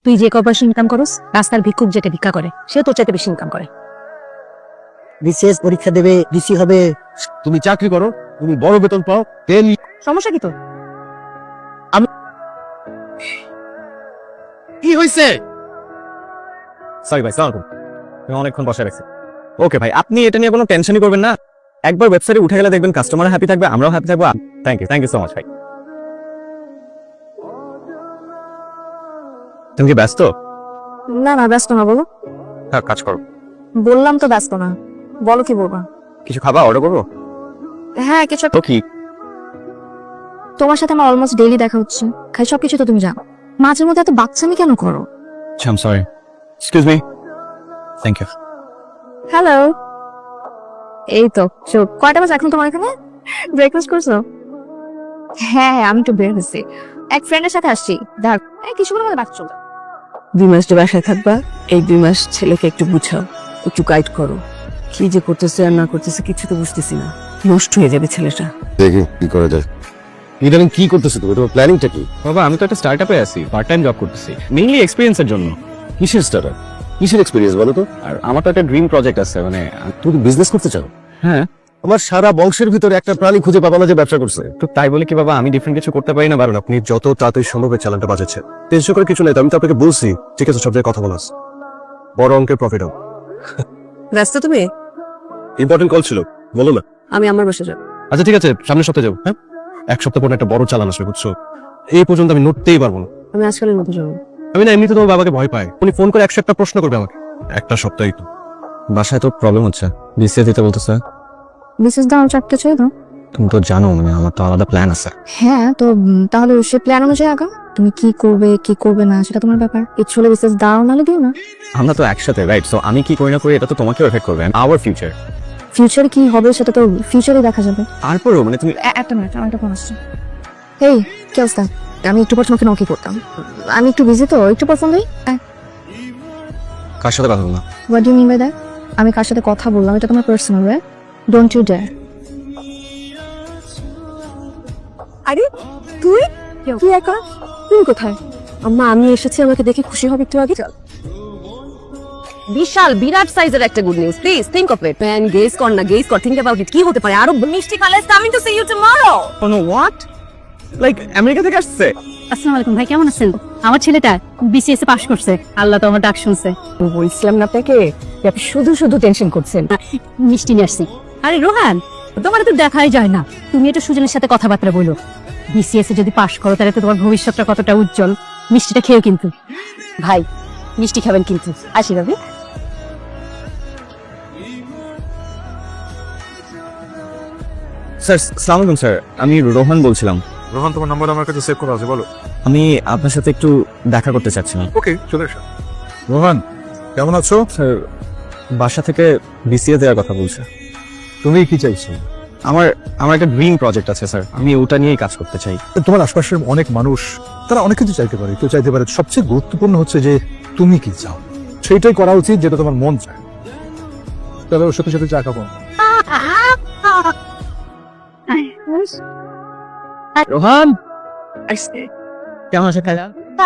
তুই যে কয়পয়সা ইনকাম করস, রাস্তার ভিক্ষুক যেটা ভিক্ষা করে সে তোর চাইতে বেশি ইনকাম করে। বিসিএস পরীক্ষা দেবে, ডিসি হবে। তুমি চাকরি করো, তুমি বড় বেতন পাও, তেল সমস্যা কি তোর? কি হয়েছে? সরি ভাই, সালাম তুমি অনেকক্ষণ বসে রাখছি। ওকে ভাই, আপনি এটা নিয়ে কোনো টেনশনই করবেন না। একবার ওয়েবসাইটে উঠে গেলে দেখবেন কাস্টমার হ্যাপি থাকবে, আমরাও হ্যাপি থাকবো। থ্যাংক ইউ সো মাচ ভাই। তুমি কি ব্যস্ত? না না, ব্যস্ত না, বলো। হ্যাঁ, কাজ করো। বললাম তো ব্যস্ত না, বলো কি বলবা। কিছু খাবা, অর্ডার করবো? হ্যাঁ কিছু। তো কি? তোমার সাথে আমার অলমোস্ট ডেইলি দেখা হচ্ছে, খাই সবকিছু তো তুমি জানো। মাঝে মধ্যে এত বাচ্চামি কেন করো? I am sorry, excuse me. Thank you. Hello, এই তো চোখ কয়টা বাজে এখন তোমার এখানে? ব্রেকফাস্ট করছো? হ্যাঁ হ্যাঁ, আমি একটু বের হয়েছি, এক ফ্রেন্ডের সাথে আসছি। দেখ কিছুক্ষণ মধ্যে বাচ্চা চলবে। 2 মাস যে বাসায় থাকবা, এই 2 মাস ছেলেকে একটু বুঝাও, একটু গাইড করো। কি যে করতেছে আর না করতেছে কিছু তো বুঝতেছি না, নষ্ট হয়ে যাবে ছেলেটা। দেখি কি করা যায়। ইদানিং কি করতেছো তুমি? তোমার প্ল্যানিংটা কি? বাবা, আমি তো একটা স্টার্টআপে আছি, পার্ট টাইম জব করতেছি, মেইনলি এক্সপেরিয়েন্সের জন্য। কিসের স্টার্টার, কিসের এক্সপেরিয়েন্স বলো তো? আর আমার তো একটা ড্রিম প্রজেক্ট আছে, মানে তুমি বিজনেস করতে চাও? হ্যাঁ। আমার সারা বংশের ভিতরে একটা প্রাণী খুঁজে পাবা না যে ব্যবসা করছে। তো তাই বলে কি বাবা আমি ডিফারেন্ট কিছু করতে পারি না? কারণ আপনি যত তাড়াতাড়ি সম্ভব এই চ্যালেঞ্জটা বাজাচ্ছেন। টেনশন করে কিছু নেই তো, আমি তো আপনাকে বলছি ঠিক আছে, সব জায়গায় কথা বলাস, বড় অঙ্কের প্রফিট হবে। ব্যস্ত তুমি? ইম্পর্টেন্ট কল ছিল, বলো না। আমি আমার বাসায় যাব। আচ্ছা ঠিক আছে, সামনের সপ্তাহে যাবো। হ্যাঁ, এক সপ্তাহ পর একটা বড় চালান আসবে, বুঝছো? এই পর্যন্ত আমি নড়তেই পারবো না। আমি আজকালের মতো যাবো। আমি না এমনিতে তোমার বাবাকে ভয় পাই, উনি ফোন করে 101টা প্রশ্ন করবে আমাকে। একটা সপ্তাহই তো। বাসায় তো প্রবলেম হচ্ছে, বিসিএস দিতে বলতেছে। মিসেস দাও চারটে চাই তো। তুমি তো জানো মানে আমার তো আলাদা প্ল্যান আছে। হ্যাঁ তো তাহলে সে প্ল্যান অনুযায়ী আগাও। তুমি কি করবে কি করবে না সেটা তোমার ব্যাপার। ইচ্ছে হলে বিশেষ দাও, নাহলে দিও না। আমরা তো একসাথে, রাইট? সো আমি কি করি না করি এটা তো তোমাকেও এফেক্ট করবে, আওয়ার ফিউচার। ফিউচারে কি হবে সেটা তো ফিউচারে দেখা যাবে। তারপরেও মানে তুমি একটা মিনিট, আমার একটা ফোন আসছে। এই কি অবস্থা? আমি একটু পর তোমাকে নকি করতাম, আমি একটু বিজি তো, একটু পর ফোন দিই। কার সাথে কথা বলবো না? What do mean by that? আমি কার সাথে কথা বললাম এটা তোমার personal, right? Don't you dare. আরে তুই কি একা? তুমি কোথায়? আম্মা আমি এসেছি, আমাকে দেখে খুশি হবে একটু আগে। চল, বিশাল বিরাট সাইজের একটা good news, please think of it man. Guess কর না, গেস কর, থিংক অ্যাবাউট ইট। কি হতে পারে? আরো মিষ্টি কাল is coming to see you tomorrow. কোনো হোয়াট? লাইক আমেরিকা থেকে আসছে? আসসালামু আলাইকুম ভাই, কেমন আছেন? আমার ছেলেটা বিসিএস এ পাশ করছে, আল্লাহ তো আমার ডাক শুনছে। বলছিলাম না আপনাকে যে আপনি শুধু শুধু টেনশন করছেন। মিষ্টি নিয়ে আসছি। আরে রোহান, তোমার তো দেখাই যায় না, তুমি একটু সুজনের সাথে কথাবার্তা বলো। বিসিএস এ যদি পাশ করো তাহলে তো তোমার ভবিষ্যৎটা কতটা উজ্জ্বল। মিষ্টিটা খেয়েও কিন্তু। ভাই মিষ্টি খাবেন কিন্তু। আসি ভাবি। স্যার আসসালামু আলাইকুম স্যার, আমি রোহান বলছিলাম। রোহান, তোমার নাম্বার আমার কাছে সেভ করা আছে, বলো। আমি আপনার সাথে একটু দেখা করতে চাচ্ছিলাম। ওকে, চলে এসো। রোহান, কেমন আছো? স্যার বাসা থেকে বিসিএস দেওয়ার কথা বলছে। তুমি কি চাইছো? আমার আমার একটা ড্রিম প্রজেক্ট আছে স্যার, আমি ওটা নিয়েই কাজ করতে চাই। তোমার আশপাশের অনেক মানুষ, তারা অনেক কিছু চাইতে পারে, কেউ চাইতে পারে। সবচেয়ে গুরুত্বপূর্ণ হচ্ছে যে তুমি কি চাও, সেইটাই করা উচিত যেটা তোমার মন চায়। তবে ওর সাথে সাথে চা খাবো। রোহান কেমন আছে খালা?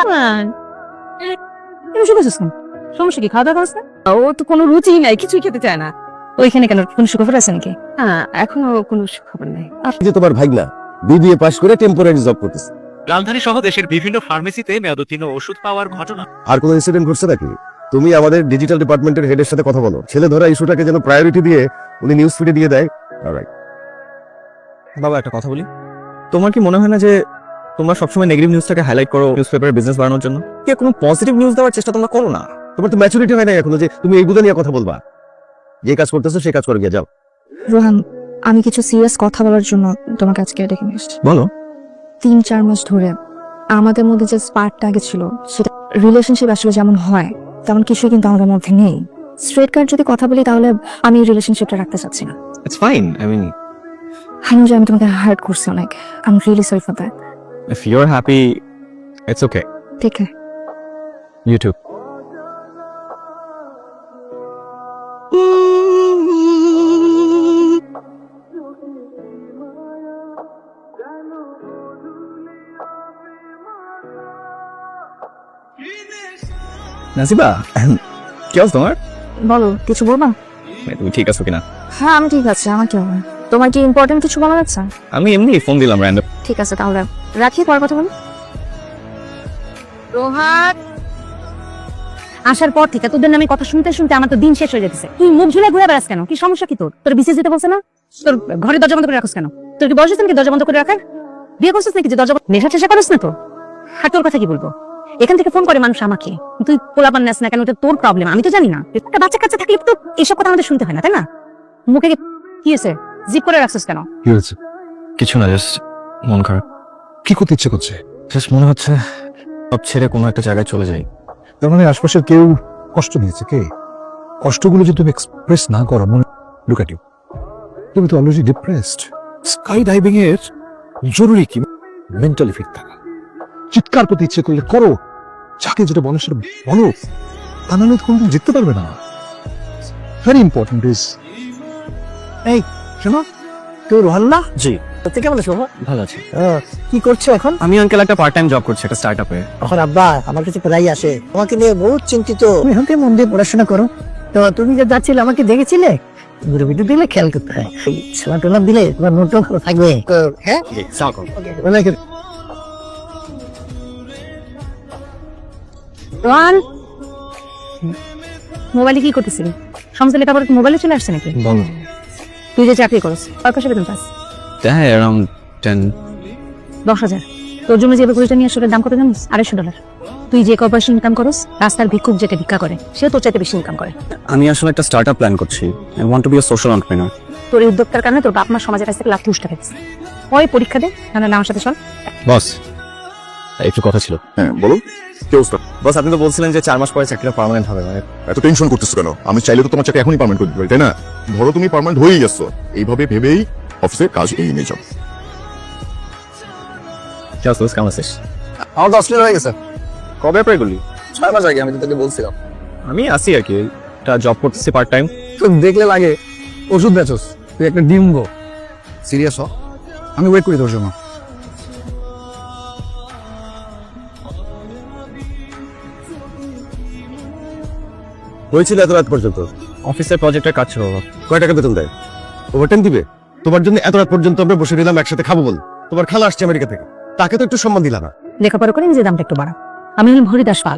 সমস্যা কি, খাওয়া দাওয়া করছে? ও তো কোনো রুচি নাই, কিছুই খেতে চায় না। ওইখানে কেন, কোন সুখবর আছে নাকি? হ্যাঁ, এখনো কোনো খবর নাই। এই যে তোমার ভাগনা বিবিএ পাশ করে টেম্পোরারি জব করতেছে, রাজধানী সহ দেশের বিভিন্ন ফার্মেসিতে মেয়াদোত্তীর্ণ ওষুধ পাওয়ার ঘটনা। আর কোনো ইনসিডেন্ট ঘটছে নাকি? তুমি আমাদের ডিজিটাল ডিপার্টমেন্টের হেডের সাথে কথা বলো, ছেলে ধরা ইস্যুটাকে যেন প্রায়োরিটি দিয়ে উনি নিউজ ফিডে দিয়ে দেয়। অলরাইট বাবা একটা কথা বলি, তোমার কি মনে হয় না যে তোমরা সবসময় নেগেটিভ নিউজটাকে হাইলাইট করো নিউজ পেপারে বিজনেস বাড়ানোর জন্য? কি কোনো পজিটিভ নিউজ দেওয়ার চেষ্টা তোমরা করো না? তোমার তো ম্যাচুরিটি হয় না এখনো যে তুমি এই বুঝা নিয়ে কথা বলবা। যে কাজ করতেছো সেই কাজ করে গিয়ে যাও। রোহান, আমি কিছু সিরিয়াস কথা বলার জন্য তোমাকে আজকে ডেকে নিয়ে এসেছি। বলো। 3-4 মাস ধরে আমাদের মধ্যে যে স্পার্কটা আগে ছিল, সেটা রিলেশনশিপ আসলে যেমন হয় তেমন কিছুই কিন্তু আমাদের মধ্যে নেই। স্ট্রেট কাট যদি কথা বলি তাহলে আমি রিলেশনশিপটা রাখতে চাচ্ছি না। ইটস ফাইন, আই মিন আমি যে আমি তোমাকে হার্ট করছি অনেক। I am really sorry for that. If you are happy it's okay. ঠিক আছে। ইউটিউব He নাসিবা, কি অবস্থা তোমার? বলো, কিছু বলবা? তুমি ঠিক আছো কিনা? হ্যাঁ, আমি ঠিক আছে। আমার কি হবে? তোমার কি ইম্পর্টেন্ট কিছু বলা যাচ্ছে? আমি এমনি ফোন দিলাম র্যান্ডম। ঠিক আছে, তাহলে রাখি, পর কথা বলি। রোহান, আসার পর থেকে তোদের নামে কথা শুনতে শুনতে আমার তো দিন শেষ হয়ে যেতেছে। তুই মুখ ঝুলে ঘুরে বেড়াস কেন? কি সমস্যা কি তোর? তোর বিসিএস দিতে বলছে না? তোর ঘরে দরজা বন্ধ করে রাখোস কেন? তোর কি বয়স হয়েছে নাকি দরজা বন্ধ করে রাখার? বিয়ে করছিস নাকি যে দরজা নেশা টেশা করিস না তো? আর তোর কথা কি বলবো? এখান থেকে ফোন করে মানুষ আমাকে, তুই পোলাপান নাস না কেন? ওটা তোর প্রবলেম, আমি তো জানি না। একটা বাচ্চা কাচ্চা থাকলে তো এসব কথা আমাদের শুনতে হয় না, তাই না? মুখে কি হয়েছে? জিপ করে রাখছিস কেন? কি হয়েছে? কিছু না, জাস্ট মন খারাপ। কি করতে ইচ্ছে করছে? জাস্ট মনে হচ্ছে সব ছেড়ে কোনো একটা জায়গায় চলে যাই। তার মানে আশপাশের কেউ কষ্ট নিয়েছে? কে? কষ্টগুলো যদি তুমি এক্সপ্রেস না করো, মনে লুক এট ইউ, তুমি তো অলরেডি ডিপ্রেসড। স্কাই ডাইভিং এর জরুরি কি মেন্টালি ফিট থাকা। চিৎকার করতে ইচ্ছে করলে করো, যাকে যেটা বলো সেটা বলো, তা নাহলে কোনদিন জিততে পারবে না। ভেরি ইম্পর্টেন্ট ইজ, এই শোনো, তুই রোহান না? জি, তুই কেমন আছো? ভালো আছি। কি করছো এখন? আমি আঙ্কেল একটা পার্ট টাইম জব করছি একটা স্টার্টআপে। এখন আব্বা আমার কাছে প্রায় আসে, তোমাকে নিয়ে বহুত চিন্তিত। তুমি এখন থেকে মন দিয়ে পড়াশোনা করো। তো তুমি যে যাচ্ছিলে আমাকে দেখেছিলে, ঘুরে ভিডিও দিলে খেয়াল করতে হয়, খেলা টোলা দিলে তোমার নোটও ভালো থাকবে। হ্যাঁ, রোহান, মোবাইলে কি করতেছিলি? সমস্ত লেখাপড়া মোবাইলে চলে আসছে নাকি? বলো। তুই যে চাকরি করস, কয় পয়সা বেতন পাস? হ্যাঁ, অ্যারাউন্ড 10। 10,000। তোর জন্য যে বকুড়িটা নিয়ে আসলে দাম কত জানিস? $250। তুই যে কয় পয়সা ইনকাম করস, রাস্তার ভিক্ষুক যেটা ভিক্ষা করে সেও তোর চাইতে বেশি ইনকাম করে। আমি আসলে একটা স্টার্টআপ প্ল্যান করছি। I want to be a social entrepreneur. তোর এই উদ্যোক্তার কারণে তোর বাপ মা সমাজের কাছ থেকে লাখ তুষ্ট খেয়েছে। ওই পরীক্ষা দে, না আমার সাথে চল। বস, একটু কথা ছিল। হ্যাঁ বলো, কি অবস্থা? বস, আপনি তো বলছিলেন যে 4 মাস পরে চাকরিটা পার্মানেন্ট হবে। মানে এত টেনশন করতেছো কেন? আমি চাইলে তো তোমার চাকরি এখনই পার্মানেন্ট করে দিতে পারি, তাই না? ধরো তুমি পার্মানেন্ট হয়েই গেছো, এইভাবে ভেবেই অফিসে কাজ এগিয়ে নিয়ে যাও। কেমন আছিস? আমার তো অস্ট্রেলিয়া হয়ে গেছে। কবে অ্যাপ্লাই করলি? 6 মাস আগে, আমি তো তোকে বলছিলাম। আমি আসি আর কি, একটা জব করতেছি পার্ট টাইম। তুই দেখলে লাগে ওষুধ বেচোস, তুই একটা ডিম্ব। সিরিয়াস হ, আমি ওয়েট করি তোর জন্য। হয়েছিল এত রাত পর্যন্ত? অফিসের প্রজেক্টের কাজ ছিল। কয় টাকা বেতন দেয়? ওভারটাইম দিবে? তোমার জন্য এত রাত পর্যন্ত আমরা বসে নিলাম একসাথে খাবো বল। তোমার খালা আসছে আমেরিকা থেকে, তাকে তো একটু সম্মান দিলা না। লেখাপড়া করে নিজের দামটা একটু বাড়া। আমি হলাম হরিদাস পাল।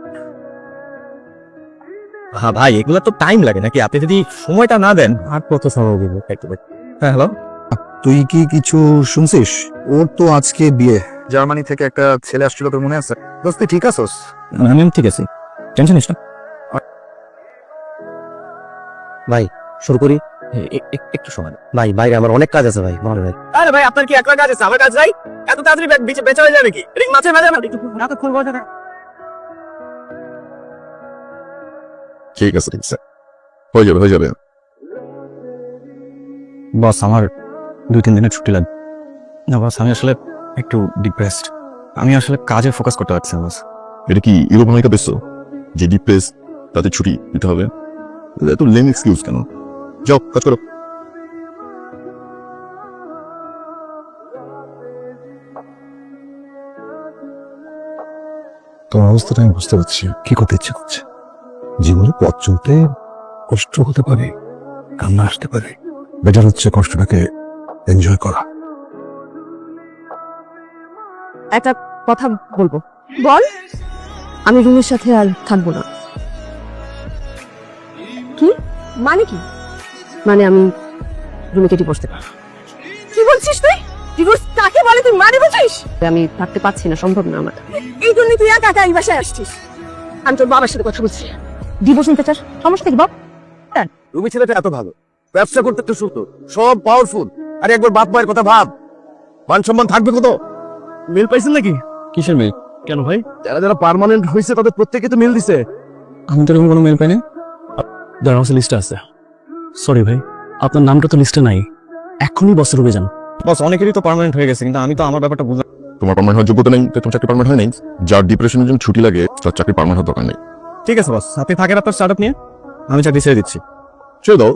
হ্যাঁ ভাই, এগুলো তো টাইম লাগে নাকি? আপনি যদি সময়টা না দেন আর কত সময় দিব? হ্যাঁ হ্যালো, তুই কি কিছু শুনছিস? ওর তো আজকে বিয়ে। জার্মানি থেকে একটা ছেলে আসছিল, তোর মনে আছে? দোস্ত তুই ঠিক আছোস? আমি ঠিক আছি, টেনশন নিস না। ভাই শুরু করি। একটু সময়। ভাই বাইরে আমার অনেক কাজ আছে ভাই, ভালো ভাই। আরে ভাই, আপনার কি একলা কাজ আছে? আমার কাজ নাই? এত তাড়াতাড়ি বেচা হয়ে যাবে কি? রিং মাছে মাঝে ঠিক আছে, ঠিক আছে, হয়ে যাবে, হয়ে যাবে। বস, আমার 2-3 দিনের ছুটি লাগবে। না বস, আমি আসলে একটু ডিপ্রেসড। আমি আসলে কাজে ফোকাস করতে পারছি না বস। এটা কি ইউরোপ আমেরিকা বেসো যে ডিপ্রেস তাতে ছুটি দিতে হবে? এত লেম এক্সকিউজ কেন? যাও কাজ করো। তোমার অবস্থাটা আমি বুঝতে পারছি। কি করতে ইচ্ছে করছে? জীবনে পথ চলতে কষ্ট হতে পারে, কান্না আসতে পারে, বেটার হচ্ছে কষ্টটাকে এনজয় করা। একটা কথা বলবো। বল। আমি রুমের সাথে আর থাকবো না। কি মানে? কি মানে? আমি রুমে ডিভোর্স দেব। কি বলছিস তুই? ডিভোর্স কাকে বলে তুই মানে বুঝিস? আমি থাকতে পারছি না, সম্ভব না আমার। এই জন্য তুই একা একা এই বাসায় আসছিস। আমি তোর বাবার সাথে কথা বলছি। ডিভোর্স নিতে চাস? সমস্যা কি বাপ? তুমি ছেলেটা এত ভালো, ব্যবসা করতে একটু সুন্দর, সব পাওয়ারফুল, আর একবার বাপ মায়ের কথা ভাব, মান সম্মান থাকবে কত? মেল পাইছেন নাকি? কিসের মেল? কেন ভাই? যারা যারা পার্মানেন্ট হয়েছে তাদের প্রত্যেকে তো মেল দিছে। আমি তো এরকম কোনো মেল পাইনি। দাঁড়াও, লিস্টে আছে। সরি ভাই, আপনার নামটা তো লিস্টে নাই। এখনই বসের রুমে যান। বস, অনেকেরই তো পার্মানেন্ট হয়ে গেছে, কিন্তু আমি তো আমার ব্যাপারটা বুঝলাম। তোমার পার্মানেন্ট হওয়ার যোগ্যতা নেই, তোমার চাকরি পার্মানেন্ট হয় নাই। যার ডিপ্রেশনের জন্য ছুটি লাগে তার চাকরি পার্মানেন্ট হওয়ার দরকার নেই। ঠিক আছে বস, আপনি থাকেন আপনার স্টার্টআপ নিয়ে, আমি চাকরি ছেড়ে দিচ্ছি। ছেড়ে দাও।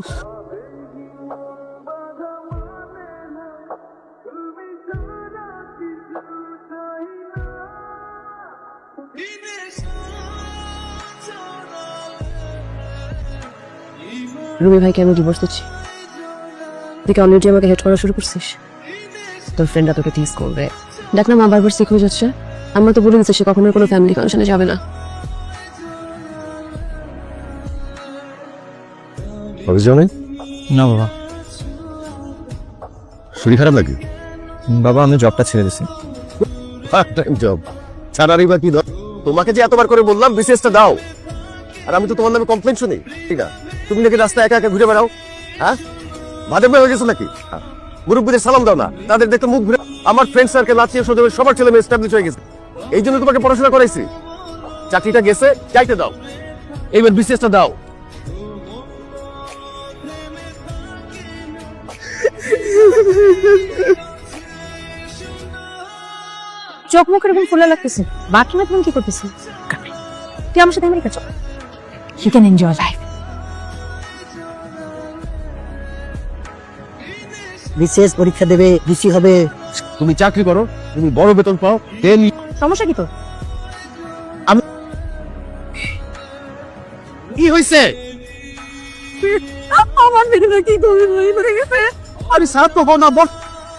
রুমি ভাইকে আমি ডিভোর্স দিচ্ছি। দেখে অলরেডি আমাকে হেড করা শুরু করছিস। তোর ফ্রেন্ডরা তোকে টিজ করবে। দেখ না, মা বারবার সিক হয়ে যাচ্ছে। আমরা তো বলে দিচ্ছি সে কখনোই কোনো ফ্যামিলি ফাংশনে যাবে না। অফিস যাও নাই? না বাবা। শরীর খারাপ লাগে? বাবা আমি জবটা ছেড়ে দিছি। পার্ট টাইম জব ছাড়ারই বা কি দরকার? তোমাকে যে এতবার করে বললাম বিসিএসটা দাও, আর আমি তো তোমার নামে কমপ্লেন শুনি। ঠিক না, তুমি নাকি রাস্তায় একা একা ঘুরে বেড়াও। হ্যাঁ, বাদে হয়ে গেছো নাকি? মুরব্বীদের সালাম দাও না, তাদের দেখতে মুখ ঘুরে। আমার ফ্রেন্ড সার্কেল আত্মীয় স্বজন সবার ছেলে মেয়ে এস্টাবলিশ হয়ে গেছে, এই জন্য তোমাকে পড়াশোনা করাইছি। চাকরিটা গেছে, চাইতে দাও, এইবার বিসিএসটা দাও। চোখ মুখ এরকম ফুলে লাগতেছে, বাথরুমে তুমি কি করতেছিস? তুই আমার সাথে আমেরিকা চল, ইউ ক্যান এনজয় লাইফ। বিশেষ পরীক্ষা দেবে, ডিসি হবে। তুমি চাকরি করো, তুমি বড় বেতন পাও, সমস্যা কি তোর? কি হয়েছে? আমার ভিডিওটা কি করে গেছে? আমি সারা তো না বল।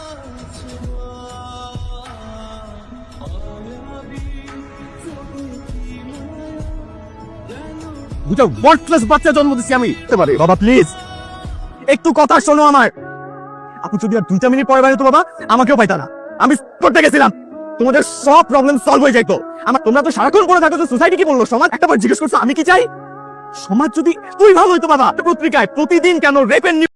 দুটো ওয়ার্ডলেস বাচ্চা জন্ম দিচ্ছি আমি। বাবা প্লিজ একটু কথা শোনো আমার। আপনি যদি আর 2 মিনিট পরে বাইরে তো বাবা আমাকেও পাইতা না। আমি করতে গেছিলাম, তোমাদের সব প্রবলেম সলভ হয়ে যাইতো। আমার তোমরা তো সারাক্ষণ পড়ে থাকো, সোসাইটি কি বললো, সমাজ একটা বার জিজ্ঞেস করছো আমি কি চাই? সমাজ যদি তুই ভালো হইতো বাবা, পত্রিকায় প্রতিদিন কেন রেপের